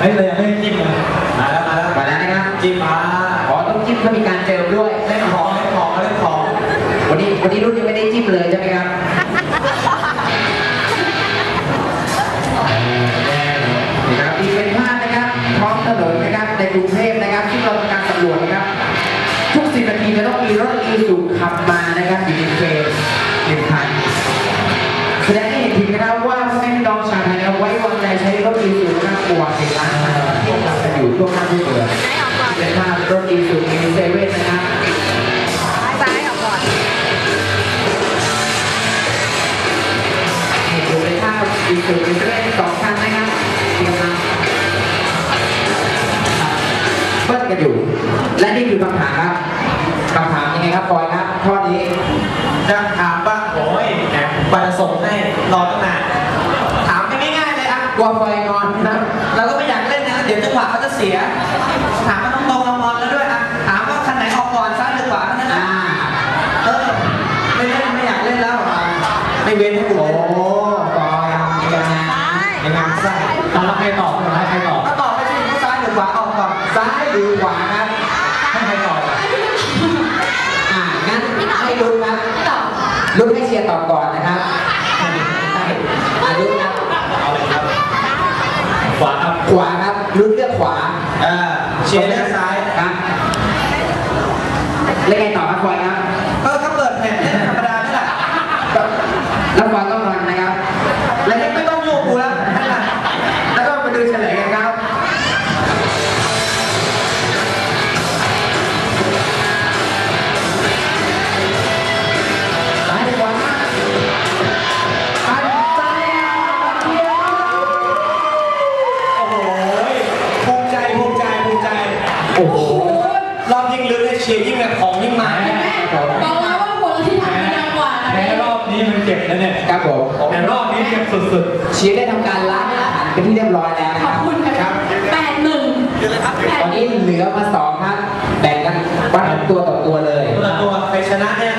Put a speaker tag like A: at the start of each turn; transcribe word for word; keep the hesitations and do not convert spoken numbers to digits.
A: ฮ้ยเรายังไม่ได้จิ้มเลยมาแล้วมาแล้ว
B: มาแล้วนะครับ
A: จิ้มมา
B: อ๋อต้องจิ้มเพื่อมีการเจิมด้วย
A: เล่นของเล่นของเล่นของ
B: วันนี้วันนี้รุ่นยังไม่ได้จิ้มเลยใช่ไหมครับนี่ครับอีกเป็นภาพนะครับท้องถนนนะครับในกรุงเทพนะครับที่เราทำการสำรวจนะครับทุกสิบนาทีจะต้องมีรถอีซูขับมานะครับอยู่ในเฟรมหนึ่งคันแสดงให้เห็นถึงนะครับว่าพ่อแม่พี่น้องชาวไทยนะครับไว้วางใจใช้รถอีซูนะครับกว่าสิบล้านคันที่ขับกันอยู่ทั่วหน้าทั่วเมืองเป็นภาพรถอีซูมีเซเว่นนะครับ
C: ซ้ายออกก่อน
B: เห็นอยู่ในภาพอีซูมีเซเว่นสองคันนะครับที่กำลังเบิ้ลกันอยู่และนี่คือคำถามครับคำถามยังไงครับบอยครับข้อนี้
A: จะถามว่าโอ้ยแหมกว่าจะส่งให้รอตั้งนานถามง่ายๆเลยอ่ะ
B: กลัวไฟงอนนะ
A: เราก็ไม่อยากเล่นนะเดี๋ยวจังหวะเขาจะเสียถามมาตรงๆเรามอนแล้วด้วยอ่ะถามว่าคันไหนออกก่อนซ้ายหรือขวาเท่านั้น
B: อ่า
A: นะเออไม่เล่นไม่อยากเล่นแล้วอ่ะไม่เว้นให้กู
B: โอ้
A: เล่น
B: บอยยังไงยังไงใช่ตอนรับใครตอบให้ใครตอบ
A: ก็ตอบไปสิว่าซ้ายหรือขวาออกก่อน
B: ซ้ายหรือขวาครับ
A: ให้ใครตอบ
B: อ่างั้นให้ลุ้นครับลุ้นให้เชียร์ตอบก่อนนะครับใช่อ่าลุ้นครับ
A: เอาเลยครับขวาครับ
B: ขวาครับลุ้นเลือกขวา
A: เออเชียร์เลือกซ้าย
B: ครับแล้วไงต่อครับบอยครับ
A: เออถ้าเปิดแผ่นเล่นธรรมดานี่แหละ
B: แล้วบอยต้องรันนะครับ
A: แล้วไม่ต้องโยกกูแล้วนั่นแหละ
B: แล้วก็มาดูเฉลยกันครับซ้ายหรือขวาอันซ้ายครับเชียร์ครับ
A: โอ้โหภูมิใจภูมิใจภูมิใจ
B: โอ้โห
A: รอบยิ่งลึกเลยเชียร์ยิ่งแบบของยิ่งมา
C: บอกแล้วว่าคนที่ทำดังกว่า
A: แพ้รอบนี้มันเจ็บนะเนี่ย
B: ครับผม
A: แต่รอบนี้เจ็บสุด
B: เชียร์ได้ทำการล้างอาหารเป็นที่เรียบร้อยแล้วนะ
C: ข
B: ค
C: อบ
B: รับ
C: คุณ
B: ค
C: ค่ะ
B: รับ
C: แปดหนึ่งแปด
B: ตอนนี้เหลือมาสองครับ แบ่งกันวัดตัวต่อตัวเลย
A: ๆตัวตัวใครชนะเนี่ย